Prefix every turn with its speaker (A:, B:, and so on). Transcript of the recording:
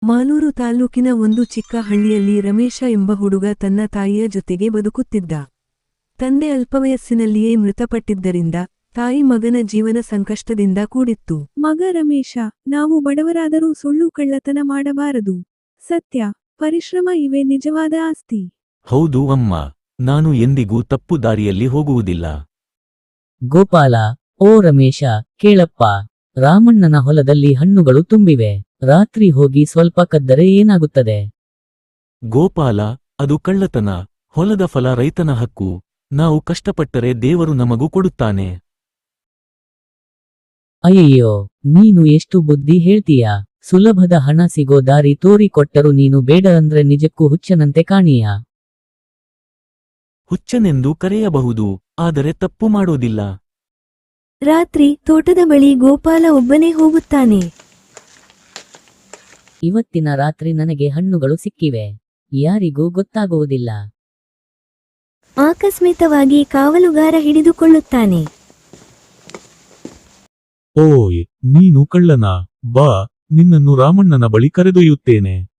A: ಮಾಲೂರು ತಾಲೂಕಿನ ಒಂದು ಚಿಕ್ಕ ಹಳ್ಳಿಯಲ್ಲಿ ರಮೇಶ ಎಂಬ ಹುಡುಗ ತನ್ನ ತಾಯಿಯ ಜೊತೆಗೆ ಬದುಕುತ್ತಿದ್ದ. ತಂದೆ ಅಲ್ಪವಯಸ್ಸಿನಲ್ಲಿಯೇ ಮೃತಪಟ್ಟಿದ್ದರಿಂದ ತಾಯಿ ಮಗನ ಜೀವನ ಸಂಕಷ್ಟದಿಂದ ಕೂಡಿತ್ತು.
B: ಮಗ ರಮೇಶ, ನಾವು ಬಡವರಾದರೂ ಸುಳ್ಳು ಕಳ್ಳತನ ಮಾಡಬಾರದು. ಸತ್ಯ, ಪರಿಶ್ರಮ ಇವೇ ನಿಜವಾದ ಆಸ್ತಿ.
C: ಹೌದು ಅಮ್ಮ, ನಾನು ಎಂದಿಗೂ ತಪ್ಪು ದಾರಿಯಲ್ಲಿ ಹೋಗುವುದಿಲ್ಲ.
D: ಗೋಪಾಲ, ಓ ರಮೇಶ, ಕೇಳಪ್ಪ. ರಾಮಣ್ಣನ ಹೊಲದಲ್ಲಿ ಹಣ್ಣುಗಳು ತುಂಬಿವೆ. ರಾತ್ರಿ ಹೋಗಿ ಸ್ವಲ್ಪ ಕದ್ದರೆ ಏನಾಗುತ್ತದೆ?
C: ಗೋಪಾಲ, ಅದು ಕಳ್ಳತನ. ಹೊಲದ ಫಲ ರೈತನ ಹಕ್ಕು. ನಾವು ಕಷ್ಟಪಟ್ಟರೆ ದೇವರು ನಮಗೂ ಕೊಡುತ್ತಾನೆ.
D: ಅಯ್ಯಯ್ಯೋ, ನೀನು ಎಷ್ಟು ಬುದ್ಧಿ ಹೇಳ್ತೀಯಾ? ಸುಲಭದ ಹಣ ಸಿಗೋ ದಾರಿ ತೋರಿಕೊಟ್ಟರು ನೀನು ಬೇಡ ಅಂದ್ರೆ ನಿಜಕ್ಕೂ ಹುಚ್ಚನಂತೆ ಕಾಣೀಯಾ?
C: ಹುಚ್ಚನೆಂದು ಕರೆಯಬಹುದು, ಆದರೆ ತಪ್ಪು ಮಾಡೋದಿಲ್ಲ.
E: ರಾತ್ರಿ ತೋಟದ ಬಳಿ ಗೋಪಾಲ ಒಬ್ಬನೇ ಹೋಗುತ್ತಾನೆ.
D: ಇವತ್ತಿನ ರಾತ್ರಿ ನನಗೆ ಹಣ್ಣುಗಳು ಸಿಕ್ಕಿವೆ. ಯಾರಿಗೂ ಗೊತ್ತಾಗುವುದಿಲ್ಲ.
E: ಆಕಸ್ಮಿಕವಾಗಿ ಕಾವಲುಗಾರ ಹಿಡಿದುಕೊಳ್ಳುತ್ತಾನೆ.
F: ಓಯ್, ನೀನು ಕಳ್ಳನ? ಬಾ, ನಿನ್ನನ್ನು ರಾಮಣ್ಣನ ಬಳಿ ಕರೆದೊಯ್ಯುತ್ತೇನೆ.